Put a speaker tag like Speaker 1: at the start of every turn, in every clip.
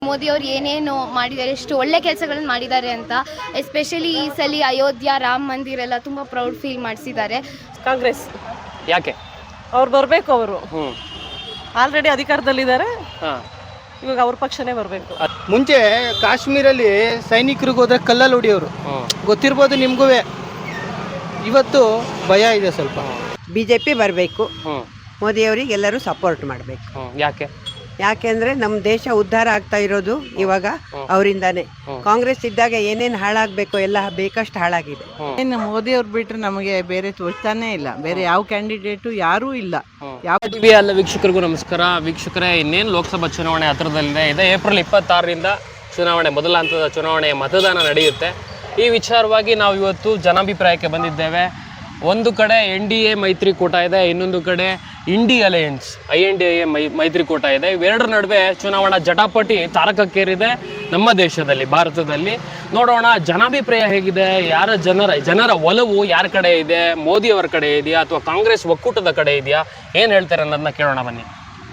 Speaker 1: ಮೋದಿ ಅವರು ಏನೇನು ಮಾಡಿದ್ದಾರೆ, ಎಷ್ಟು ಒಳ್ಳೆ ಕೆಲಸಗಳನ್ನು ಮಾಡಿದ್ದಾರೆ ಅಂತ. ಎಸ್ಪೆಷಲಿ ಈ ಸಲ ಅಯೋಧ್ಯ ರಾಮ ಮಂದಿರ ಎಲ್ಲ ತುಂಬ ಪ್ರೌಡ್ ಫೀಲ್ ಮಾಡಿಸಿದ್ದಾರೆ.
Speaker 2: ಕಾಂಗ್ರೆಸ್
Speaker 3: ಯಾಕೆ
Speaker 2: ಅವ್ರು ಬರಬೇಕು. ಅವರು ಆಲ್ರೆಡಿ ಅಧಿಕಾರದಲ್ಲಿದ್ದಾರೆ, ಇವಾಗ ಅವ್ರ ಪಕ್ಷನೇ ಬರಬೇಕು.
Speaker 4: ಮುಂಚೆ ಕಾಶ್ಮೀರಲ್ಲಿ ಸೈನಿಕರಿಗೆ ಹೋದ್ರೆ ಕಲ್ಲಲ್ಲಿ ಹೊಡಿಯೋರು, ಗೊತ್ತಿರ್ಬೋದು ನಿಮಗೂ. ಇವತ್ತು ಭಯ ಇದೆ ಸ್ವಲ್ಪ.
Speaker 5: BJP ಬರಬೇಕು. ಮೋದಿಯವರಿಗೆ ಎಲ್ಲರೂ ಸಪೋರ್ಟ್ ಮಾಡಬೇಕು. ಯಾಕೆಂದ್ರೆ ನಮ್ಮ ದೇಶ ಉದ್ಧಾರ ಆಗ್ತಾ ಇರೋದು ಇವಾಗ ಅವರಿಂದಾನೆ. ಕಾಂಗ್ರೆಸ್ ಇದ್ದಾಗ ಏನೇನು ಹಾಳಾಗಬೇಕು ಎಲ್ಲ ಬೇಕಷ್ಟು ಹಾಳಾಗಿದೆ.
Speaker 6: ಇನ್ನು ಮೋದಿ ಅವ್ರು ಬಿಟ್ರೆ ನಮಗೆ ಬೇರೆ ತೋರ್ತಾನೆ ಇಲ್ಲ, ಬೇರೆ ಯಾವ ಕ್ಯಾಂಡಿಡೇಟು ಯಾರೂ ಇಲ್ಲ.
Speaker 3: ಟಿವಿ ಎಲ್ಲ ವೀಕ್ಷಕರಿಗೂ ನಮಸ್ಕಾರ. ವೀಕ್ಷಕರೇ, ಇನ್ನೇನು ಲೋಕಸಭಾ ಚುನಾವಣೆ ಹತ್ರದಲ್ಲಿದೆ. ಇದೆ ಏಪ್ರಿಲ್ 26ರಿಂದ ಚುನಾವಣೆ, ಮೊದಲ ಹಂತದ ಚುನಾವಣೆಯ ಮತದಾನ ನಡೆಯುತ್ತೆ. ಈ ವಿಚಾರವಾಗಿ ನಾವು ಇವತ್ತು ಜನಾಭಿಪ್ರಾಯಕ್ಕೆ ಬಂದಿದ್ದೇವೆ. ಒಂದು ಕಡೆ NDA ಮೈತ್ರಿಕೂಟ ಇದೆ, ಇನ್ನೊಂದು ಕಡೆ ಇಂಡಿ ಅಲಯನ್ಸ್ INDA ಮೈತ್ರಿಕೂಟ ಇದೆ. ಇವೆರಡರ ನಡುವೆ ಚುನಾವಣಾ ಜಟಾಪಟಿ ತಾರಕಕ್ಕೇರಿದೆ ನಮ್ಮ ದೇಶದಲ್ಲಿ, ಭಾರತದಲ್ಲಿ. ನೋಡೋಣ ಜನಾಭಿಪ್ರಾಯ ಹೇಗಿದೆ, ಜನರ ಒಲವು ಯಾರ ಕಡೆ ಇದೆ, ಮೋದಿಯವರ ಕಡೆ ಇದೆಯಾ ಅಥವಾ ಕಾಂಗ್ರೆಸ್ ಒಕ್ಕೂಟದ ಕಡೆ ಇದೆಯಾ, ಏನು ಹೇಳ್ತಾರೆ ಅನ್ನೋದನ್ನ ಕೇಳೋಣ ಬನ್ನಿ.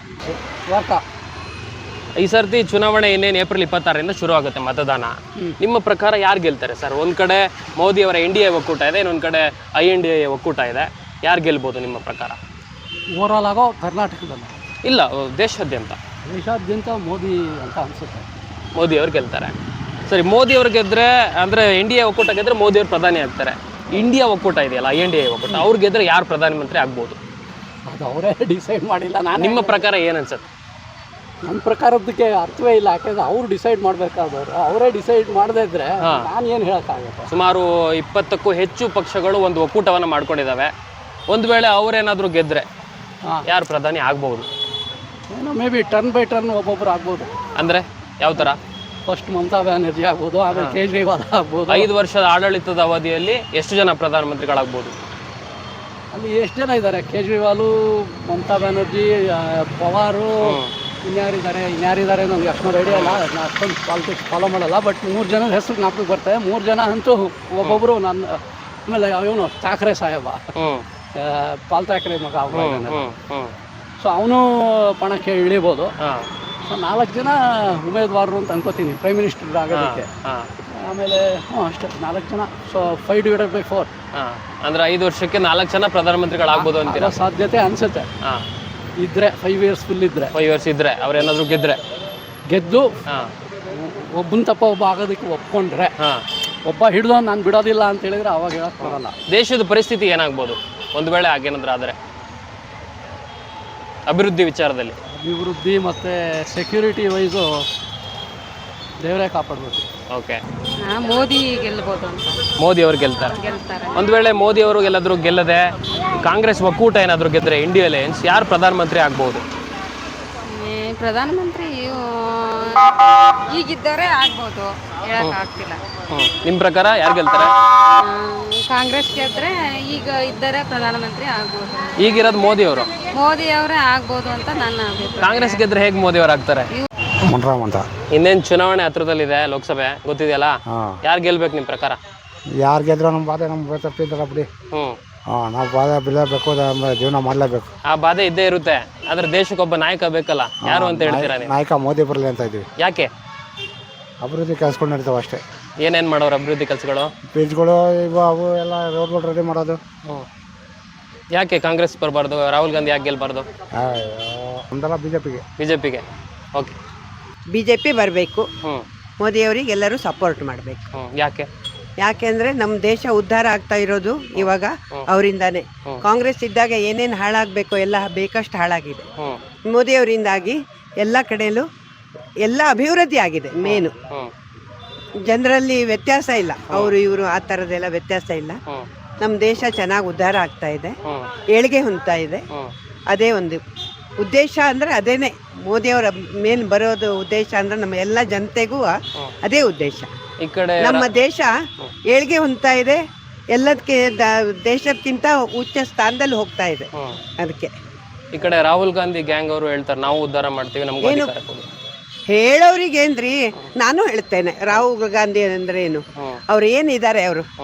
Speaker 3: ಈ ಸರ್ತಿ ಚುನಾವಣೆ ಇನ್ನೇನು ಏಪ್ರಿಲ್ 26ರಿಂದ ಶುರು ಆಗುತ್ತೆ ಮತದಾನ. ನಿಮ್ಮ ಪ್ರಕಾರ ಯಾರು ಗೆಲ್ತಾರೆ ಸರ್? ಒಂದು ಕಡೆ ಮೋದಿಯವರ NDA ಒಕ್ಕೂಟ ಇದೆ, ಇನ್ನೊಂದು ಕಡೆ INDA ಒಕ್ಕೂಟ ಇದೆ. ಯಾರು ಗೆಲ್ಬೋದು ನಿಮ್ಮ ಪ್ರಕಾರ?
Speaker 7: ಓವರಾಲ್ ಆಗೋ ಕರ್ನಾಟಕದಲ್ಲಿ
Speaker 3: ಇಲ್ಲ, ದೇಶಾದ್ಯಂತ
Speaker 7: ಮೋದಿ ಅಂತ ಅನಿಸುತ್ತೆ.
Speaker 3: ಮೋದಿಯವ್ರು ಗೆಲ್ತಾರೆ. ಸರಿ, ಮೋದಿಯವ್ರು ಗೆದ್ದರೆ ಅಂದರೆ NDA ಒಕ್ಕೂಟ ಗೆದ್ದರೆ ಮೋದಿಯವರು ಪ್ರಧಾನಿ ಆಗ್ತಾರೆ. ಇಂಡಿಯಾ ಒಕ್ಕೂಟ ಇದೆಯಲ್ಲ, INDA ಒಕ್ಕೂಟ, ಅವ್ರು ಗೆದ್ದರೆ ಯಾರು ಪ್ರಧಾನಮಂತ್ರಿ ಆಗ್ಬೋದು?
Speaker 7: ಅದು ಅವರೇ ಡಿಸೈಡ್ ಮಾಡಿಲ್ಲ.
Speaker 3: ನಿಮ್ಮ ಪ್ರಕಾರ ಏನು ಅನ್ಸುತ್ತೆ?
Speaker 7: ನನ್ನ ಪ್ರಕಾರದಕ್ಕೆ ಅರ್ಥವೇ ಇಲ್ಲ. ಯಾಕೆಂದ್ರೆ ಅವ್ರು ಡಿಸೈಡ್ ಮಾಡಬೇಕಾದವರು, ಅವರೇ ಡಿಸೈಡ್ ಮಾಡದೇ ಇದ್ರೆ ನಾನು ಏನು ಹೇಳೋಕ್ಕಾಗುತ್ತೆ.
Speaker 3: ಸುಮಾರು 20ಕ್ಕೂ ಹೆಚ್ಚು ಪಕ್ಷಗಳು ಒಂದು ಒಕ್ಕೂಟವನ್ನು ಮಾಡ್ಕೊಂಡಿದ್ದಾವೆ. ಒಂದು ವೇಳೆ ಅವರೇನಾದರೂ ಗೆದ್ದರೆ ಯಾರು ಪ್ರಧಾನಿ ಆಗ್ಬೋದು?
Speaker 7: ಏನೋ maybe turn by turn ಒಬ್ಬೊಬ್ಬರು ಆಗ್ಬೋದು.
Speaker 3: ಅಂದರೆ ಯಾವ ಥರ?
Speaker 7: ಫಸ್ಟ್ ಮಮತಾ ಬ್ಯಾನರ್ಜಿ ಆಗ್ಬೋದು, ಆಮೇಲೆ ಕೇಜ್ರಿವಾಲ್ ಆಗ್ಬೋದು.
Speaker 3: 5 ವರ್ಷದ ಆಡಳಿತದ ಅವಧಿಯಲ್ಲಿ ಎಷ್ಟು ಜನ ಪ್ರಧಾನಮಂತ್ರಿಗಳಾಗ್ಬೋದು?
Speaker 7: ಅಲ್ಲಿ ಎಷ್ಟು ಜನ ಇದ್ದಾರೆ? ಕೇಜ್ರಿವಾಲು, ಮಮತಾ ಬ್ಯಾನರ್ಜಿ, ಪವಾರು, ಇನ್ಯಾರಿದ್ದಾರೆ ನನಗೆ ಅಷ್ಟೊಂದು ಐಡಿಯಾ ಇಲ್ಲ. ನಾನು ಅಷ್ಟೊಂದು ಪಾಲಿಟಿಕ್ಸ್ ಫಾಲೋ ಮಾಡಲ್ಲ. ಬಟ್ 3 ಜನದ ಹೆಸರು ಜ್ಞಾಪಕಕ್ಕೆ ಬರ್ತದೆ. 3 ಜನ ಅಂತೂ ಒಬ್ಬೊಬ್ಬರು ನನ್ನ. ಆಮೇಲೆ ಇವನು ಠಾಕ್ರೆ ಸಾಹೇಬ, ಪಾಲ್ ಠಾಕ್ರೆ ಮಗ, ಸೊ ಅವನು ಪಣಕ್ಕೆ ಇಳಿಬೋದು. ಸೊ 4 ಜನ ಉಮೇದ್ವಾರರು ಅಂತ ಅನ್ಕೋತೀನಿ ಪ್ರೈಮ್ ಮಿನಿಸ್ಟರ್ ಆಗೋದಕ್ಕೆ. ಆಮೇಲೆ ಅಷ್ಟೇ 4 ಜನ. ಸೊ 5/4
Speaker 3: ಅಂದರೆ 5 ವರ್ಷಕ್ಕೆ 4 ಜನ ಪ್ರಧಾನಮಂತ್ರಿಗಳಾಗ್ಬೋದು ಅಂತೀರ?
Speaker 7: ಸಾಧ್ಯತೆ ಅನಿಸುತ್ತೆ. ಇದ್ರೆ 5 ಇಯರ್ಸ್ ಫುಲ್ ಇದ್ರೆ,
Speaker 3: 5 ವರ್ಷ ಇದ್ರೆ ಅವ್ರೇನಾದ್ರು
Speaker 7: ಗೆದ್ದು ಒಬ್ಬನ ತಪ್ಪ ಒಬ್ಬ ಆಗೋದಕ್ಕೆ ಒಪ್ಕೊಂಡ್ರೆ, ಒಬ್ಬ ಹಿಡಿದು ನಾನು ಬಿಡೋದಿಲ್ಲ ಅಂತ ಹೇಳಿದ್ರೆ ಅವಾಗ ಹೇಳಕ್ ಬರಲ್ಲ.
Speaker 3: ದೇಶದ ಪರಿಸ್ಥಿತಿ ಏನಾಗ್ಬೋದು ಒಂದು ವೇಳೆ ಹಾಗೇನಾದ್ರೂ ಆದರೆ? ಅಭಿವೃದ್ಧಿ ವಿಚಾರದಲ್ಲಿ,
Speaker 7: ಅಭಿವೃದ್ಧಿ ಮತ್ತು ಸೆಕ್ಯೂರಿಟಿ ವೈಸು ದೇವರೇ ಕಾಪಾಡಬೇಕು.
Speaker 3: ಓಕೆ,
Speaker 8: ಮೋದಿ ಗೆಲ್ಬೋದು ಅಂತ.
Speaker 3: ಮೋದಿ ಅವರು ಗೆಲ್ತಾರೆ. ಒಂದು ವೇಳೆ ಮೋದಿ ಅವರು ಎಲ್ಲಾದರೂ ಗೆಲ್ಲದೆ ಕಾಂಗ್ರೆಸ್ ಒಕ್ಕೂಟ ಏನಾದರೂ ಗೆದ್ದರೆ, ಇಂಡಿಯಾ ಅಲಯನ್ಸ್, ಯಾರು ಪ್ರಧಾನಮಂತ್ರಿ ಆಗ್ಬೋದು?
Speaker 8: ಪ್ರಧಾನಮಂತ್ರಿ ಈಗಿದ್ದಾರೆ ಆಗ್ಬೋದು, ಹೇಳಕ್ ಆಗ್ತಿಲ್ಲ.
Speaker 3: ನಿಮ್ಮ ಪ್ರಕಾರ ಯಾರು ಗೆಲ್ತಾರೆ?
Speaker 8: ಕಾಂಗ್ರೆಸ್ ಗೆದ್ರೆ ಈಗ ಇದ್ದಾರೆ ಪ್ರಧಾನಮಂತ್ರಿ ಆಗ್ಬೋದು.
Speaker 3: ಈಗಿರೋದು ಮೋದಿ ಅವರು.
Speaker 8: ಮೋದಿ ಅವರೇ ಆಗ್ಬೋದು ಅಂತ ನನ್ನ ಅಭಿಪ್ರಾಯ.
Speaker 3: ಕಾಂಗ್ರೆಸ್ ಗೆದ್ರೆ ಹೇಗೆ ಮೋದಿ ಅವರು ಆಗ್ತಾರೆ?
Speaker 4: ಅಂತ
Speaker 3: ಇನ್ನೇನು ಚುನಾವಣೆ ಹತ್ರದಲ್ಲಿದೆ, ಲೋಕಸಭೆ ಗೊತ್ತಿದೆಯಲ್ಲ, ಯಾರು ಗೆಲ್ಬೇಕು ನಿಮ್ಮ ಪ್ರಕಾರ?
Speaker 4: ಯಾರು ಗೆದ್ರು ನಮ್ಮ ಬಾಧೆ ನಮ್ಮ ತಪ್ಪಿದ್ದಲ್ಲ ಬಿಡಿ. ನಾವು ಬಾಧೆ ಬೀಳಬೇಕು, ಜೀವನ ಮಾಡಲೇಬೇಕು.
Speaker 3: ಆ ಬಾಧೆ ಇದ್ದೇ ಇರುತ್ತೆ. ಆದ್ರೆ ದೇಶಕ್ಕೊಬ್ಬ ನಾಯಕ ಬೇಕಲ್ಲ, ಯಾರು ಅಂತ ಹೇಳ್ತೀರಾ ನೀವು?
Speaker 4: ನಾಯಕ ಮೋದಿ ಬರಲಿ ಅಂತ ಇದ್ದೀವಿ.
Speaker 3: ಯಾಕೆ?
Speaker 4: ಅಭಿವೃದ್ಧಿ ಕೆಲಸಗಳು ನಡೀತಾವೆ ಅಷ್ಟೇ.
Speaker 3: ಏನೇನು ಮಾಡೋರು ಅಭಿವೃದ್ಧಿ ಕೆಲಸಗಳು?
Speaker 4: ಬ್ರಿಡ್ಜ್ಗಳು ಇವು ಅವು ಎಲ್ಲ ರೋಡ್ಗಳು ರೆಡಿ ಮಾಡೋದು.
Speaker 3: ಯಾಕೆ ಕಾಂಗ್ರೆಸ್ ಬರಬಾರ್ದು? ರಾಹುಲ್ ಗಾಂಧಿ ಯಾಕೆ ಗೆಲ್ಬಾರ್ದು?
Speaker 4: ಒಂದಲ್ಲ ಬಿಜೆಪಿಗೆ.
Speaker 3: ಓಕೆ,
Speaker 5: BJP ಬರಬೇಕು. ಮೋದಿಯವರಿಗೆ ಎಲ್ಲರೂ ಸಪೋರ್ಟ್ ಮಾಡಬೇಕು. ಯಾಕೆಂದ್ರೆ ನಮ್ಮ ದೇಶ ಉದ್ಧಾರ ಆಗ್ತಾ ಇರೋದು ಇವಾಗ ಅವರಿಂದಾನೆ. ಕಾಂಗ್ರೆಸ್ ಇದ್ದಾಗ ಏನೇನು ಹಾಳಾಗಬೇಕು ಎಲ್ಲ ಬೇಕಷ್ಟು ಹಾಳಾಗಿದೆ. ಮೋದಿಯವರಿಂದಾಗಿ ಎಲ್ಲ ಕಡೆಯಲ್ಲೂ ಎಲ್ಲ ಅಭಿವೃದ್ಧಿ ಆಗಿದೆ. ಮೇನು ಜನರಲ್ಲಿ ವ್ಯತ್ಯಾಸ ಇಲ್ಲ, ಅವರು ಇವರು ಆ ಥರದ್ದೆಲ್ಲ ವ್ಯತ್ಯಾಸ ಇಲ್ಲ. ನಮ್ಮ ದೇಶ ಚೆನ್ನಾಗಿ ಉದ್ಧಾರ ಆಗ್ತಾ ಇದೆ, ಏಳಿಗೆ ಹೊಂದ್ತಾ ಇದೆ. ಅದೇ ಒಂದು ಉದ್ದೇಶ ಅಂದರೆ ಅದೇನೆ. ಮೋದಿಯವರ ಮೇಲೆ ಬರೋದು ಉದ್ದೇಶ ಅಂದರೆ ನಮ್ಮ ಎಲ್ಲ ಜನತೆಗೂ ಅದೇ ಉದ್ದೇಶ.
Speaker 3: ಈ ಕಡೆ
Speaker 5: ನಮ್ಮ ದೇಶ ಏಳಿಗೆ ಹೊಂದ್ತಾ ಇದೆ, ಎಲ್ಲದಕ್ಕೆ ದೇಶಕ್ಕಿಂತ ಉಚ್ಚ ಸ್ಥಾನದಲ್ಲಿ ಹೋಗ್ತಾ ಇದೆ. ಅದಕ್ಕೆ
Speaker 3: ಈ ಕಡೆ ರಾಹುಲ್ ಗಾಂಧಿ ಗ್ಯಾಂಗ್ ಅವರು ಹೇಳ್ತಾರೆ ನಾವು ಉದ್ಧಾರ ಮಾಡ್ತೀವಿ, ನಮ್ಗೆ
Speaker 5: ಏನು ಹೇಳೋರಿಗೇನ್ರಿ? ನಾನು ಹೇಳ್ತೇನೆ, ರಾಹುಲ್ ಗಾಂಧಿ ಅಂದ್ರೆ ಏನು, ಅವ್ರು ಏನಿದ್ದಾರೆ,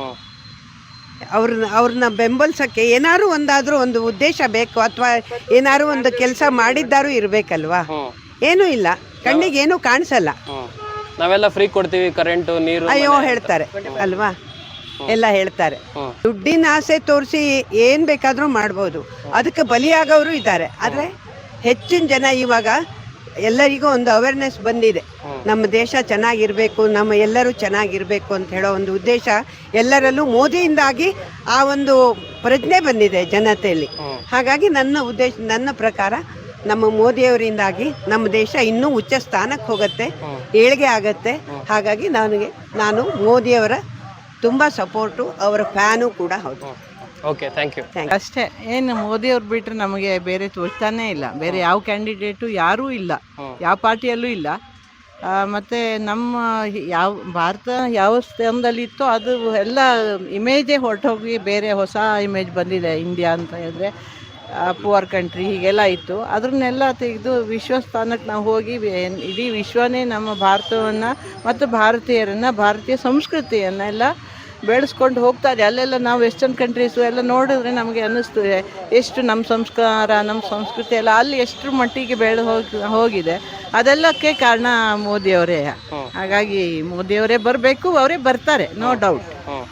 Speaker 5: ಅವ್ರನ್ನ ಬೆಂಬಲಿಸೋಕ್ಕೆ ಏನಾದ್ರು ಒಂದಾದ್ರೂ ಒಂದು ಉದ್ದೇಶ ಬೇಕು, ಅಥವಾ ಏನಾದ್ರು ಒಂದು ಕೆಲಸ ಮಾಡಿದ್ದಾರು ಇರಬೇಕಲ್ವಾ? ಏನೂ ಇಲ್ಲ. ಕಣ್ಣಿಗೆ ಏನೂ ಕಾಣಿಸಲ್ಲ.
Speaker 3: ನಾವೆಲ್ಲ ಫ್ರೀ ಕೊಡ್ತೀವಿ ಕರೆಂಟು ನೀರು.
Speaker 5: ಅಯ್ಯೋ ಹೇಳ್ತಾರೆ ಅಲ್ವಾ, ಎಲ್ಲ ಹೇಳ್ತಾರೆ. ದುಡ್ಡಿನ ಆಸೆ ತೋರಿಸಿ ಏನು ಬೇಕಾದರೂ ಮಾಡ್ಬೋದು, ಅದಕ್ಕೆ ಬಲಿಯಾಗೋರು ಇದ್ದಾರೆ. ಆದರೆ ಹೆಚ್ಚಿನ ಜನ ಇವಾಗ ಎಲ್ಲರಿಗೂ ಒಂದು ಅವೇರ್ನೆಸ್ ಬಂದಿದೆ, ನಮ್ಮ ದೇಶ ಚೆನ್ನಾಗಿರಬೇಕು, ನಮ್ಮ ಎಲ್ಲರೂ ಚೆನ್ನಾಗಿರಬೇಕು ಅಂತ ಹೇಳೋ ಒಂದು ಉದ್ದೇಶ ಎಲ್ಲರಲ್ಲೂ ಮೋದಿಯಿಂದಾಗಿ ಆ ಒಂದು ಪ್ರಜ್ಞೆ ಬಂದಿದೆ ಜನತೆಯಲ್ಲಿ. ಹಾಗಾಗಿ ನನ್ನ ಪ್ರಕಾರ ನಮ್ಮ ಮೋದಿಯವರಿಂದಾಗಿ ನಮ್ಮ ದೇಶ ಇನ್ನೂ ಉಚ್ಚ ಸ್ಥಾನಕ್ಕೆ ಹೋಗುತ್ತೆ, ಏಳಿಗೆ ಆಗತ್ತೆ. ಹಾಗಾಗಿ ನಾನು ಮೋದಿಯವರ ತುಂಬ ಸಪೋರ್ಟು, ಅವರ ಫ್ಯಾನು ಕೂಡ ಹೌದು.
Speaker 3: Okay, thank you.
Speaker 6: ಅಷ್ಟೇ, ಏನು ಮೋದಿಯವ್ರು ಬಿಟ್ಟರೆ ನಮಗೆ ಬೇರೆ ತೋಚ್ತಾನೇ ಇಲ್ಲ. ಬೇರೆ ಯಾವ ಕ್ಯಾಂಡಿಡೇಟು ಯಾರೂ ಇಲ್ಲ, ಯಾವ ಪಾರ್ಟಿಯಲ್ಲೂ ಇಲ್ಲ. ಮತ್ತು ನಮ್ಮ ಯಾವ ಭಾರತ ಯಾವ ಸ್ಥಾನದಲ್ಲಿತ್ತೋ ಅದು ಎಲ್ಲ ಇಮೇಜೇ ಹೊರಟೋಗಿ ಬೇರೆ ಹೊಸ ಇಮೇಜ್ ಬಂದಿದೆ. ಇಂಡಿಯಾ ಅಂತ ಹೇಳಿದ್ರೆ ಪುವರ್ ಕಂಟ್ರಿ ಹೀಗೆಲ್ಲ ಇತ್ತು, ಅದನ್ನೆಲ್ಲ ತೆಗೆದು ವಿಶ್ವಸ್ಥಾನಕ್ಕೆ ನಾವು ಹೋಗಿ ಇಡೀ ವಿಶ್ವನೇ ನಮ್ಮ ಭಾರತವನ್ನು ಮತ್ತು ಭಾರತೀಯರನ್ನು, ಭಾರತೀಯ ಸಂಸ್ಕೃತಿಯನ್ನೆಲ್ಲ ಬೆಳೆಸ್ಕೊಂಡು ಹೋಗ್ತಾ ಇದೆ. ಅಲ್ಲೆಲ್ಲ ನಾವು ವೆಸ್ಟರ್ನ್ ಕಂಟ್ರೀಸು ಎಲ್ಲ ನೋಡಿದ್ರೆ ನಮಗೆ ಅನ್ನಿಸ್ತದೆ ಎಷ್ಟು ನಮ್ಮ ಸಂಸ್ಕಾರ, ನಮ್ಮ ಸಂಸ್ಕೃತಿ ಎಲ್ಲ ಅಲ್ಲಿ ಎಷ್ಟು ಮಟ್ಟಿಗೆ ಹೋಗಿದೆ. ಅದೆಲ್ಲಕ್ಕೆ ಕಾರಣ ಮೋದಿಯವರೇ. ಹಾಗಾಗಿ ಮೋದಿಯವರೇ ಬರಬೇಕು, ಅವರೇ ಬರ್ತಾರೆ, ನೋ ಡೌಟ್.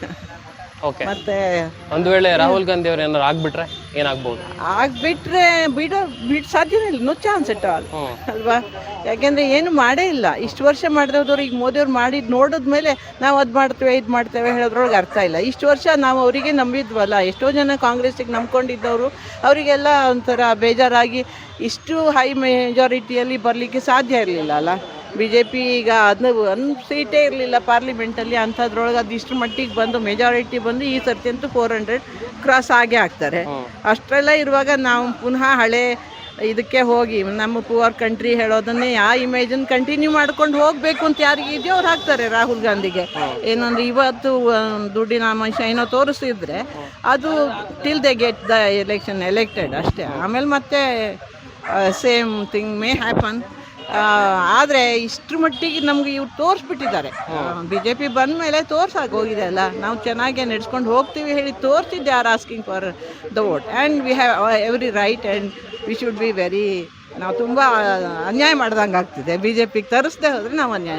Speaker 3: ಓಕೆ,
Speaker 6: ಮತ್ತೆ
Speaker 3: ಒಂದು ವೇಳೆ ರಾಹುಲ್ ಗಾಂಧಿ ಅವ್ರು ಏನಾದ್ರು ಆಗ್ಬಿಟ್ರೆ ಏನಾಗ್ಬೋದು?
Speaker 6: ಆಗ್ಬಿಟ್ರೆ ಬಿಡೋ ಸಾಧ್ಯನೇ ಇಲ್ಲ, ನೋ ಚಾನ್ಸ್ ಎಟ್ ಆಲ್ ಅಲ್ವಾ. ಯಾಕೆಂದರೆ ಏನು ಮಾಡೇ ಇಲ್ಲ, ಇಷ್ಟು ವರ್ಷ ಮಾಡಿದವ್ರು ಈಗ ಮೋದಿಯವ್ರು ಮಾಡಿದ್ದು ನೋಡಿದ್ಮೇಲೆ ನಾವು ಅದು ಮಾಡ್ತೇವೆ ಇದು ಮಾಡ್ತೇವೆ ಹೇಳೋದ್ರೊಳಗೆ ಅರ್ಥ ಇಲ್ಲ. ಇಷ್ಟು ವರ್ಷ ನಾವು ಅವರಿಗೆ ನಂಬಿದ್ವಲ್ಲ, ಎಷ್ಟೋ ಜನ ಕಾಂಗ್ರೆಸ್ಸಿಗೆ ನಂಬ್ಕೊಂಡಿದ್ದವರು ಅವರಿಗೆಲ್ಲ ಒಂಥರ ಬೇಜಾರಾಗಿ ಇಷ್ಟು ಹೈ ಮೆಜಾರಿಟಿಯಲ್ಲಿ ಬರಲಿಕ್ಕೆ ಸಾಧ್ಯ ಇರಲಿಲ್ಲ ಅಲ್ಲ. ಬಿ ಜೆ ಪಿ ಈಗ ಒಂದು ಸೀಟೇ ಇರಲಿಲ್ಲ ಪಾರ್ಲಿಮೆಂಟಲ್ಲಿ, ಅಂಥದ್ರೊಳಗೆ ಅದು ಇಷ್ಟು ಮಟ್ಟಿಗೆ ಬಂದು ಮೆಜಾರಿಟಿ ಬಂದು ಈ ಸರ್ತಿ ಅಂತೂ 400 ಕ್ರಾಸ್ ಆಗೇ ಆಗ್ತಾರೆ. ಅಷ್ಟೆಲ್ಲ ಇರುವಾಗ ನಾವು ಪುನಃ ಹಳೆ ಇದಕ್ಕೆ ಹೋಗಿ ನಮ್ಮ ಪುವರ್ ಕಂಟ್ರಿ ಹೇಳೋದನ್ನೇ ಆ ಇಮೇಜನ್ನು ಕಂಟಿನ್ಯೂ ಮಾಡ್ಕೊಂಡು ಹೋಗಬೇಕು ಅಂತ ಯಾರಿಗೆ ಇದೆಯೋ ಅವ್ರು ಹಾಕ್ತಾರೆ ರಾಹುಲ್ ಗಾಂಧಿಗೆ. ಏನಂದ್ರೆ ಇವತ್ತು ದುಡ್ಡಿನ ಅಂಶ ಏನೋ ತೋರಿಸಿದ್ರೆ ಅದು till they get the elected ಅಷ್ಟೇ. ಆಮೇಲೆ ಮತ್ತೆ ಸೇಮ್ ಥಿಂಗ್ ಮೇ ಹ್ಯಾಪನ್. ಆದರೆ ಇಷ್ಟರ ಮಟ್ಟಿಗೆ ನಮ್ಗೆ ಇವ್ರು ತೋರಿಸ್ಬಿಟ್ಟಿದ್ದಾರೆ. ಬಿ ಜೆ ಪಿ ಬಂದ ಮೇಲೆ ತೋರ್ಸಾಗಿ ಹೋಗಿದೆ ಅಲ್ಲ, ನಾವು ಚೆನ್ನಾಗೇ ನಡೆಸ್ಕೊಂಡು ಹೋಗ್ತೀವಿ ಹೇಳಿ ತೋರಿಸಿದ್ದೆ are asking for the vote and we have every right and we should be very. ನಾವು ತುಂಬ ಅನ್ಯಾಯ ಮಾಡ್ದಂಗೆ ಆಗ್ತಿದೆ. ಬಿ ಜೆ ಪಿಗೆ ತರಿಸ್ದೆ ಹೋದರೆ ನಾವು ಅನ್ಯಾಯ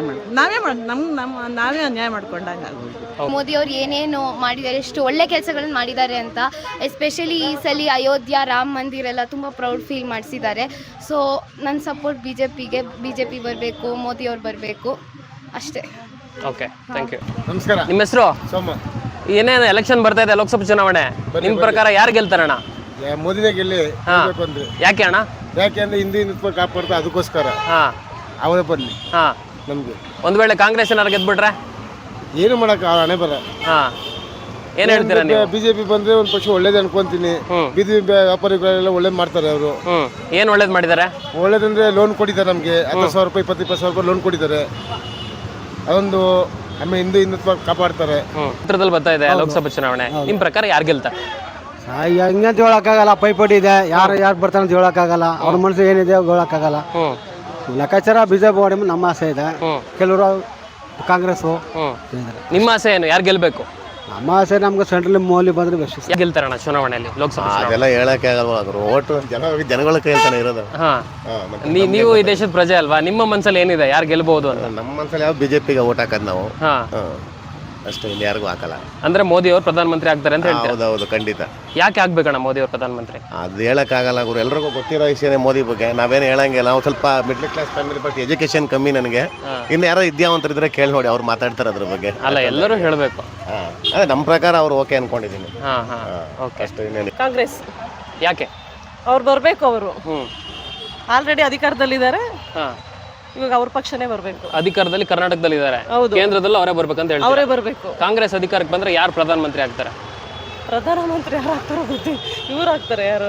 Speaker 6: ನಾವೇ ಅನ್ಯಾಯ ಮಾಡ್ಕೊಂಡಂಗೆ ಆಗೋದು.
Speaker 1: ಮೋದಿ ಅವ್ರು ಏನೇನು ಮಾಡಿದ್ದಾರೆ, ಎಷ್ಟು ಒಳ್ಳೆ ಕೆಲಸಗಳನ್ನ ಮಾಡಿದ್ದಾರೆ ಅಂತ, ಎಸ್ಪೆಷಲಿ ಈ ಸಲ ಅಯೋಧ್ಯ ರಾಮ ಮಂದಿರ ಎಲ್ಲ ತುಂಬ ಪ್ರೌಡ್ ಫೀಲ್ ಮಾಡಿಸಿದ್ದಾರೆ. ಸೊ ನನ್ನ ಸಪೋರ್ಟ್ ಬಿ ಜೆ ಪಿ ಬರಬೇಕು, ಮೋದಿ ಅವ್ರು ಬರಬೇಕು ಅಷ್ಟೇ.
Speaker 3: Okay, thank you.
Speaker 4: ನಮಸ್ಕಾರ.
Speaker 3: ನಿಮ್ಮ ಹೆಸರು?
Speaker 4: ಸೋಮ.
Speaker 3: ಏನೇನು ಎಲೆಕ್ಷನ್ ಬರ್ತಾ ಇದೆ, ಲೋಕಸಭಾ ಚುನಾವಣೆ, ನಿಮ್ಮ ಪ್ರಕಾರ ಯಾರು ಗೆಲ್ತಾರಣ್ಣ?
Speaker 4: ಮೋದಿನೇ ಗೆಲ್ಲಿ.
Speaker 3: ಯಾಕೆ ಅಣ್ಣ?
Speaker 4: ಯಾಕೆಂದ್ರೆ ಹಿಂದೂ ಕಾಪಾಡ್ತಾ, ಅದಕ್ಕೋಸ್ಕರ ಅವರೇ ಬರಲಿ ನಮ್ಗೆ.
Speaker 3: ಒಂದು ವೇಳೆ ಕಾಂಗ್ರೆಸ್ ಏನಾರು ಗೆದ್ಬಿಟ್ರೆ
Speaker 4: ಏನು ಮಾಡಕ್ಕೆ ಹಣೆ ಬರ.
Speaker 3: ಏನ್ ಹೇಳ್ತೀರಾ ನೀವು?
Speaker 4: ಬಿಜೆಪಿ ಬಂದ್ರೆ ಒಂದು ಪಕ್ಷ ಒಳ್ಳೇದು ಅನ್ಕೊಂತೀನಿ. ಬೀದಿ ವ್ಯಾಪಾರಿಗಳೆಲ್ಲ ಒಳ್ಳೇದು ಮಾಡ್ತಾರೆ ಅವರು.
Speaker 3: ಏನ್ ಒಳ್ಳೇದು ಮಾಡಿದ್ದಾರೆ?
Speaker 4: ಒಳ್ಳೇದಂದ್ರೆ ಲೋನ್ ಕೊಟ್ಟಿದ್ದಾರೆ ನಮಗೆ 10,000 ರೂಪಾಯಿ 20,000 ರೂಪಾಯಿ ಲೋನ್ ಕೊಟ್ಟಿದ್ದಾರೆ. ಅದೊಂದು ಆಮೇಲೆ ಹಿಂದುತ್ವ ಕಾಪಾಡ್ತಾರೆ.
Speaker 3: ಹತ್ರದಲ್ಲಿ ಬರ್ತಾ ಇದೆ ಲೋಕಸಭಾ ಚುನಾವಣೆ, ನಿಮ್ ಪ್ರಕಾರ ಯಾರು ಗೆಲ್ತಾರೆ?
Speaker 9: ಹಿಂಗಂತ ಹೇಳಕ್ಕಾಗಲ್ಲ, ಪೈಪೋಟಿ ಇದೆ, ಯಾರು ಬರ್ತಾರೆ ಅಂತ ಹೇಳಕ್ಕಾಗಲ್ಲ. ಅವ್ರ ಮನಸ್ಸು ಏನಿದೆ ಹೇಳಕ್ಕಾಗಲ್ಲ. ಲೆಕ್ಕಾಚಾರ ಬಿಜೆಪಿ ಮಾಡಿ ನಮ್ಮ ಆಸೆ ಇದೆ, ಕೆಲವರು ಕಾಂಗ್ರೆಸ್.
Speaker 3: ನಿಮ್ಮ ಆಸೆ ಏನು, ಯಾರು ಗೆಲ್ಬೇಕು?
Speaker 9: ನಮ್ಮ ಆಸೆ ನಮ್ಗೆ ಸೆಂಟ್ರಲ್ ಮೋಲಿ ಬಂದ್ರೆ ಬೆಸ್ಟ್.
Speaker 3: ಗೆಲ್ತಾರಣ್ಣ ಚುನಾವಣೆಯಲ್ಲಿ ಲೋಕಸಭಾ?
Speaker 10: ಅದೆಲ್ಲ ಹೇಳಕ್ಕೆ ಆಗಲ್ವಾ, ಓಟು ಜನಗಳ ಕೈಯಲ್ಲಿ ಇರೋದು.
Speaker 3: ನೀವು ಈ ದೇಶದ ಪ್ರಜೆ ಅಲ್ವಾ, ನಿಮ್ಮ ಮನಸ್ಸಲ್ಲಿ ಏನಿದೆ, ಯಾರು ಗೆಲ್ಬಹುದು ಅಂತ?
Speaker 10: ನಮ್ಮ ಮನಸ್ಸಲ್ಲಿ ಯಾವ ಬಿಜೆಪಿಗೆ ಓಟ್ ಹಾಕೋದು ನಾವು ಅಷ್ಟೇ, ಇಲ್ಲಿ ಯಾರಿಗೂ ಹಾಕಲ್ಲ.
Speaker 3: ಅಂದ್ರೆ ಮೋದಿ ಅವರು ಪ್ರಧಾನಮಂತ್ರಿ ಆಗ್ತಾರೆ ಅಂತ ಹೇಳ್ತಾರೆ?
Speaker 10: ಹೌದೌದು, ಖಂಡಿತ.
Speaker 3: ಯಾಕೆ ಆಗ್ಬೇಕಣ್ಣ ಮೋದಿ ಅವರು ಪ್ರಧಾನಮಂತ್ರಿ?
Speaker 10: ಅದು ಹೇಳಕ್ಕಾಗಲ್ಲ ಗುರು, ಎಲ್ರಿಗೂ ಗೊತ್ತಿರೋ ವಿಷಯನೇ ಮೋದಿ ಬಗ್ಗೆ. ನಾವೇನು ಹೇಳಂಗಿಲ್ಲ, ನಾವು ಸ್ವಲ್ಪ middle class family, but education ಕಮ್ಮಿ ನನಗೆ. ಇನ್ನು ಯಾರೋ ವಿದ್ಯಾವಂತರಿದ್ರೆ ಕೇಳಿ ನೋಡಿ, ಅವ್ರು ಮಾತಾಡ್ತಾರೆ ಅದ್ರ ಬಗ್ಗೆ.
Speaker 3: ಅಲ್ಲ, ಎಲ್ಲರೂ ಹೇಳಬೇಕು.
Speaker 10: ಅದೇ ನಮ್ಮ ಪ್ರಕಾರ ಅವ್ರು ಓಕೆ ಅನ್ಕೊಂಡಿದ್ದೀನಿ.
Speaker 3: ಅಷ್ಟೇ.
Speaker 2: ಕಾಂಗ್ರೆಸ್.
Speaker 3: ಯಾಕೆ?
Speaker 2: ಅವ್ರು ಬರಬೇಕು. ಅವರು ಆಲ್ರೆಡಿ ಅಧಿಕಾರದಲ್ಲಿದ್ದಾರೆ, ಇವಾಗ ಅವ್ರ ಪಕ್ಷನೇ ಬರಬೇಕು.
Speaker 3: ಅಧಿಕಾರದಲ್ಲಿ ಕರ್ನಾಟಕದಲ್ಲಿ ಇದ್ದಾರೆ, ಕೇಂದ್ರದಲ್ಲಿ ಅವರೇ ಬರ್ಬೇಕಂತ ಹೇಳಿ.
Speaker 2: ಅವರೇ ಬರಬೇಕು.
Speaker 3: ಕಾಂಗ್ರೆಸ್ ಅಧಿಕಾರಕ್ಕೆ ಬಂದ್ರೆ ಯಾರು ಪ್ರಧಾನಮಂತ್ರಿ ಆಗ್ತಾರೆ?
Speaker 2: ಪ್ರಧಾನಮಂತ್ರಿ ಯಾರು ಆಗ್ತಾರೋ ಗೊತ್ತಿಲ್ಲ, ಇವ್ರು ಆಗ್ತಾರೆ. ಯಾರು?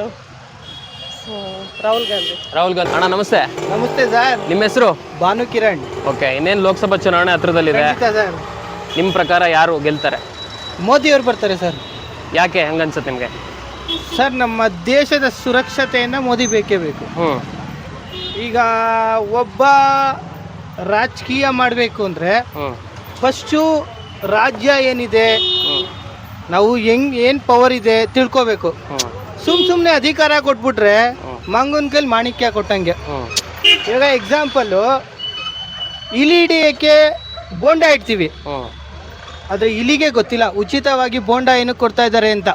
Speaker 2: ರಾಹುಲ್ ಗಾಂಧಿ.
Speaker 3: ರಾಹುಲ್ ಗಾಂಧಿ. ಅಣ್ಣ ನಮಸ್ತೆ.
Speaker 4: ನಮಸ್ತೆ ಸರ್.
Speaker 3: ನಿಮ್ಮ ಹೆಸರು?
Speaker 4: ಭಾನು ಕಿರಣ್.
Speaker 3: ಓಕೆ, ಇನ್ನೇನು ಲೋಕಸಭಾ ಚುನಾವಣೆ ಹತ್ರದಲ್ಲಿದೆ, ನಿಮ್ಮ ಪ್ರಕಾರ ಯಾರು ಗೆಲ್ತಾರೆ?
Speaker 4: ಮೋದಿ ಅವ್ರು ಬರ್ತಾರೆ ಸರ್.
Speaker 3: ಯಾಕೆ ಹಂಗನ್ಸುತ್ತೆ ನಿಮಗೆ?
Speaker 4: ಸರ್, ನಮ್ಮ ದೇಶದ ಸುರಕ್ಷತೆಯನ್ನು ಮೋದಿ ಬೇಕೇ ಬೇಕು. ಈಗ ಒಬ್ಬ ರಾಜಕೀಯ ಮಾಡಬೇಕು ಅಂದರೆ ಫಸ್ಟು ರಾಜ್ಯ ಏನಿದೆ, ನಾವು ಏನು ಪವರ್ ಇದೆ ತಿಳ್ಕೋಬೇಕು. ಸುಮ್ಮನೆ ಅಧಿಕಾರ ಕೊಟ್ಬಿಟ್ರೆ ಮಂಗನ ಕೈಲಿ ಮಾಣಿಕ್ಯ ಕೊಟ್ಟಂಗೆ. ಇವಾಗ ಎಕ್ಸಾಂಪಲ್ಲು, ಇಲಿ ಹಿಡಿಯೋಕ್ಕೆ ಬೋಂಡ ಇಡ್ತೀವಿ,
Speaker 3: ಹ್ಮ್
Speaker 4: ಆದರೆ ಇಲಿಗೆ ಗೊತ್ತಿಲ್ಲ ಉಚಿತವಾಗಿ ಬೋಂಡ ಏನಕ್ಕೆ ಕೊಡ್ತಾ ಇದ್ದಾರೆ ಅಂತ.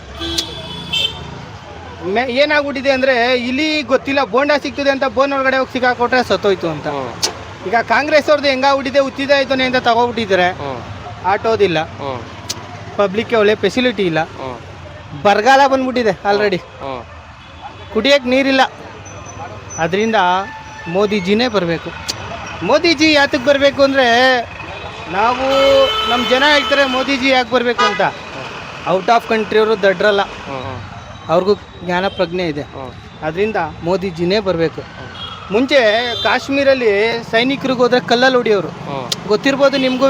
Speaker 4: ಏನಾಗ್ಬಿಟ್ಟಿದೆ ಅಂದರೆ ಇಲಿ ಗೊತ್ತಿಲ್ಲ ಬೋಂಡ ಸಿಗ್ತದೆ ಅಂತ ಬೋನ್ ಒಳಗಡೆ ಹೋಗಿ ಸಿಕ್ಕಾಕೊಟ್ರೆ ಸತ್ತೋಯ್ತು ಅಂತ. ಈಗ ಕಾಂಗ್ರೆಸ್ ಅವ್ರದ್ದು ಹೆಂಗಾಗ್ಬಿಟ್ಟಿದೆ ಉಚಿತ ಆಯ್ತಾನೆ ಅಂತ ತಗೋಬಿಟ್ಟಿದ್ದಾರೆ, ಆಟೋದಿಲ್ಲ, ಪಬ್ಲಿಕ್ಗೆ ಒಳ್ಳೆ ಫೆಸಿಲಿಟಿ ಇಲ್ಲ, ಬರಗಾಲ ಬಂದ್ಬಿಟ್ಟಿದೆ ಆಲ್ರೆಡಿ, ಕುಡಿಯೋಕ್ಕೆ ನೀರಿಲ್ಲ. ಅದರಿಂದ ಮೋದಿಜಿನೇ ಬರಬೇಕು. ಮೋದಿಜಿ ಯಾತಕ್ಕೆ ಬರಬೇಕು ಅಂದರೆ ನಾವು ನಮ್ಮ ಜನ ಹೇಳ್ತಾರೆ ಮೋದಿಜಿ ಯಾಕೆ ಬರಬೇಕು ಅಂತ. ಔಟ್ ಆಫ್ ಕಂಟ್ರಿಯವರು ದಡ್ರಲ್ಲ, ಅವ್ರಿಗೂ ಜ್ಞಾನ ಪ್ರಜ್ಞೆ ಇದೆ. ಅದರಿಂದ ಮೋದಿಜಿನೇ ಬರಬೇಕು. ಮುಂಚೆ ಕಾಶ್ಮೀರಲ್ಲಿ ಸೈನಿಕರಿಗೆ ಹೋದ್ರೆ ಕಲ್ಲಲ್ಲಿ ಹೊಡಿಯೋರು, ಗೊತ್ತಿರ್ಬೋದು ನಿಮಗೂ.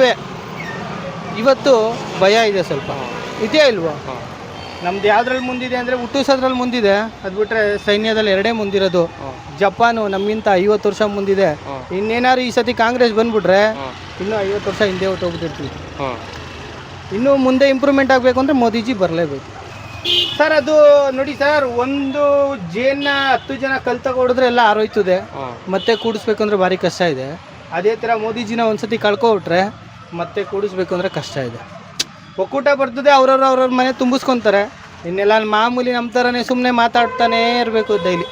Speaker 4: ಇವತ್ತು ಭಯ ಇದೆ ಸ್ವಲ್ಪ, ಇದೆಯಾ ಇಲ್ವಾ? ನಮ್ದು ಯಾವ್ದ್ರಲ್ಲಿ ಮುಂದಿದೆ ಅಂದರೆ ಹುಟ್ಟಿಸೋದ್ರಲ್ಲಿ ಮುಂದಿದೆ, ಅದು ಬಿಟ್ಟರೆ ಸೈನ್ಯದಲ್ಲಿ 2 ಮುಂದಿರೋದು. ಜಪಾನು ನಮಗಿಂತ 50 ವರ್ಷ ಮುಂದಿದೆ. ಇನ್ನೇನಾದ್ರು ಈ ಸತಿ ಕಾಂಗ್ರೆಸ್ ಬಂದ್ಬಿಟ್ರೆ ಇನ್ನೂ 50 ವರ್ಷ ಹಿಂದೆ ಹೊಟ್ಟೋಗ್ಬಿಟ್ಟಿರ್ತೀವಿ. ಇನ್ನೂ ಮುಂದೆ ಇಂಪ್ರೂವ್ಮೆಂಟ್ ಆಗಬೇಕು ಅಂದರೆ ಮೋದಿಜಿ ಬರಲೇಬೇಕು ಸರ್. ಅದು ನೋಡಿ ಸರ್, ಒಂದು ಜೇನ್ನ 10 ಜನ ಕಲ್ ತಗೊಡಿದ್ರೆ ಎಲ್ಲ ಆರೋಯ್ತದೆ, ಮತ್ತೆ ಕೂಡಿಸ್ಬೇಕು ಅಂದರೆ ಭಾರಿ ಕಷ್ಟ ಇದೆ. ಅದೇ ಥರ ಮೋದಿಜಿನ ಒಂದ್ಸತಿ ಕಳ್ಕೊಬಿಟ್ರೆ ಮತ್ತೆ ಕೂಡಿಸ್ಬೇಕು ಅಂದರೆ ಕಷ್ಟ ಇದೆ. ಒಕ್ಕೂಟ ಬರ್ತದೆ, ಅವ್ರವ್ರ ಮನೆ ತುಂಬಿಸ್ಕೊತಾರೆ. ಇನ್ನೆಲ್ಲ ಮಾಮೂಲಿ ನಮ್ಮ ಥರನೇ ಸುಮ್ಮನೆ ಮಾತಾಡ್ತಾನೇ ಇರಬೇಕು ಡೈಲಿ.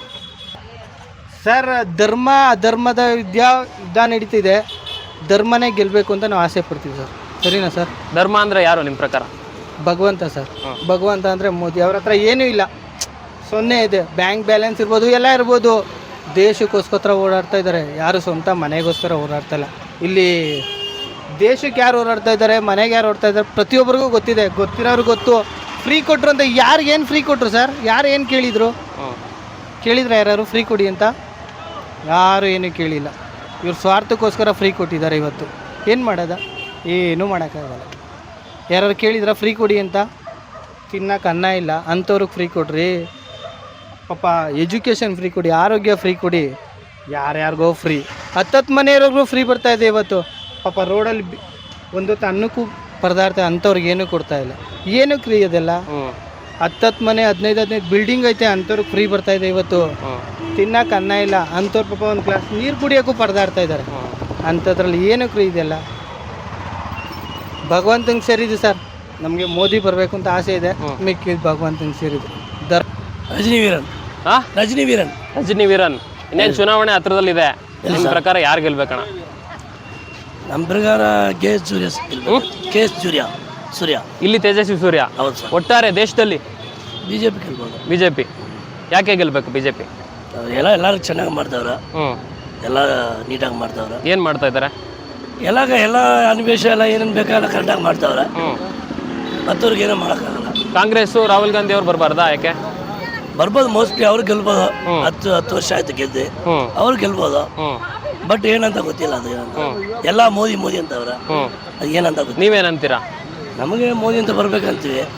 Speaker 4: ಸರ್, ಧರ್ಮ ಅಧರ್ಮದ ಯುದ್ಧ ನಡೀತಿದೆ, ಧರ್ಮನೇ ಗೆಲ್ಲಬೇಕು ಅಂತ ನಾವು ಆಸೆ ಪಡ್ತೀವಿ ಸರ್. ಸರಿನಾ ಸರ್?
Speaker 3: ಧರ್ಮ ಅಂದರೆ ಯಾರು ನಿಮ್ಮ ಪ್ರಕಾರ?
Speaker 4: ಭಗವಂತ ಸರ್. ಭಗವಂತ ಅಂದರೆ ಮೋದಿ. ಅವ್ರ ಹತ್ರ ಏನೂ ಇಲ್ಲ, 0 ಇದೆ. ಬ್ಯಾಂಕ್ ಬ್ಯಾಲೆನ್ಸ್ ಇರ್ಬೋದು, ಎಲ್ಲ ಇರ್ಬೋದು. ದೇಶಕ್ಕೋಸ್ಕರ ಓಡಾಡ್ತಾ ಇದ್ದಾರೆ, ಯಾರು ಸ್ವಂತ ಮನೆಗೋಸ್ಕರ ಓಡಾಡ್ತಾ ಇಲ್ಲ. ಇಲ್ಲಿ ದೇಶಕ್ಕೆ ಯಾರು ಓಡಾಡ್ತಾ ಇದ್ದಾರೆ, ಮನೆಗೆ ಯಾರು ಓಡ್ತಾ ಇದ್ದಾರೆ ಪ್ರತಿಯೊಬ್ಬರಿಗೂ ಗೊತ್ತಿದೆ. ಗೊತ್ತಿರೋರು ಗೊತ್ತು. ಫ್ರೀ ಕೊಟ್ಟರು ಅಂತ ಯಾರಿಗೇನು ಫ್ರೀ ಕೊಟ್ಟರು ಸರ್? ಯಾರು ಏನು ಕೇಳಿದರು? ಕೇಳಿದ್ರೆ ಯಾರು ಫ್ರೀ ಕೊಡಿ ಅಂತ? ಯಾರು ಏನೂ ಕೇಳಿಲ್ಲ. ಇವ್ರು ಸ್ವಾರ್ಥಕ್ಕೋಸ್ಕರ ಫ್ರೀ ಕೊಟ್ಟಿದ್ದಾರೆ. ಇವತ್ತು ಏನು ಮಾಡೋದ? ಏನೂ ಮಾಡೋಕ್ಕಾಗಲ್ಲ. ಯಾರು ಕೇಳಿದ್ರೆ ಫ್ರೀ ಕೊಡಿ ಅಂತ? ತಿನ್ನಕ್ಕೆ ಅನ್ನ ಇಲ್ಲ ಅಂಥವ್ರಿಗೆ ಫ್ರೀ ಕೊಡ್ರಿ. ಪಾಪ ಎಜುಕೇಷನ್ ಫ್ರೀ ಕೊಡಿ, ಆರೋಗ್ಯ ಫ್ರೀ ಕೊಡಿ. ಯಾರ್ಯಾರಿಗೋ ಫ್ರೀ, 10 ಮನೆಯವ್ರಿಗೂ ಫ್ರೀ ಬರ್ತಾಯಿದೆ ಇವತ್ತು. ಪಾಪ ರೋಡಲ್ಲಿ ಒಂದೊತ್ತು ಅನ್ನಕ್ಕೂ ಪರದಾಡ್ತಾ ಅಂಥವ್ರಿಗೆ ಏನೂ ಕೊಡ್ತಾ ಇಲ್ಲ. ಏನಕ್ಕೆ ಫ್ರೀ ಅದೆಲ್ಲ? 10 ಮನೆ 15 ಬಿಲ್ಡಿಂಗ್ ಐತೆ, ಅಂಥವ್ರಿಗೆ ಫ್ರೀ ಬರ್ತಾಯಿದೆ ಇವತ್ತು. ತಿನ್ನಕ್ಕೆ ಅನ್ನ ಇಲ್ಲ ಅಂಥವ್ರು ಪಾಪ ಒಂದು ಗ್ಲಾಸ್ ನೀರು ಕುಡಿಯೋಕ್ಕೂ ಪರದಾಡ್ತಾ ಇದ್ದಾರೆ. ಅಂಥದ್ರಲ್ಲಿ ಏನಕ್ಕೆ ಫ್ರೀ ಇದೆಲ್ಲ? ಭಗವಂತಂಗೆ ಸೇರಿದ್ದು ಸರ್. ನಮಗೆ ಮೋದಿ ಬರಬೇಕು ಅಂತ ಆಸೆ ಇದೆ, ಮಿಕ್ಕಿದ್ದು ಭಗವಂತಂಗೆ ಸೇರಿದ್ದು.
Speaker 7: ರಜನಿ ವೀರನ್.
Speaker 3: ರಜನಿ ವೀರನ್. ಇನ್ನೇನು ಚುನಾವಣೆ ಹತ್ರದಲ್ಲಿದೆ, ನಿಮ್ಮ ಪ್ರಕಾರ ಯಾರು ಗೆಲ್ಬೇಕಣ್ಣ?
Speaker 7: ನಮ್ಮ ಪ್ರಕಾರ ಕೆ ಎಸ್ ಸೂರ್ಯ.
Speaker 3: ಇಲ್ಲಿ ತೇಜಸ್ವಿ ಸೂರ್ಯ.
Speaker 7: ಹೌದು ಸರ್.
Speaker 3: ಒಟ್ಟಾರೆ ದೇಶದಲ್ಲಿ
Speaker 7: ಬಿಜೆಪಿ ಗೆಲ್ಬೋದು.
Speaker 3: ಬಿಜೆಪಿ ಯಾಕೆ ಗೆಲ್ಬೇಕು? ಬಿಜೆಪಿ
Speaker 7: ಎಲ್ಲರೂ ಚೆನ್ನಾಗಿ ಮಾಡ್ತಾವ್ರೆ, ಎಲ್ಲ ನೀಟಾಗಿ ಮಾಡ್ತಾವ್ರೆ.
Speaker 3: ಏನು ಮಾಡ್ತಾ ಇದ್ದಾರೆ?
Speaker 7: ಎಲ್ಲ ಅನ್ವೇಷ ಎಲ್ಲ ಏನೇನು ಬೇಕಾಗಲ್ಲ ಕರೆಕ್ಟಾಗಿ ಮಾಡ್ತಾವ್ರೆ. ಮತ್ತವ್ರಿಗೆ ಏನೋ ಮಾಡೋಕ್ಕಾಗಲ್ಲ.
Speaker 3: ಕಾಂಗ್ರೆಸ್ಸು ರಾಹುಲ್ ಗಾಂಧಿ ಅವ್ರು ಬರಬಾರ್ದಾ? ಯಾಕೆ?
Speaker 7: ಬರ್ಬೋದು, ಮೋಸ್ಟ್ಲಿ ಅವ್ರು ಗೆಲ್ಬೋದು. 10 ವರ್ಷ ಆಯ್ತು ಗೆದ್ದೆ, ಅವ್ರು ಗೆಲ್ಬೋದು. ಬಟ್ ಏನಂತ ಗೊತ್ತಿಲ್ಲ, ಅದು ಏನಂತ. ಎಲ್ಲ ಮೋದಿ ಅಂತವ್ರೆ, ಅದು ಏನಂತ ಗೊತ್ತಿಲ್ಲ.
Speaker 3: ನೀವೇನಂತೀರಾ?
Speaker 7: ನಮಗೆ ಮೋದಿ ಅಂತ ಬರ್ಬೇಕಂತೀವಿ.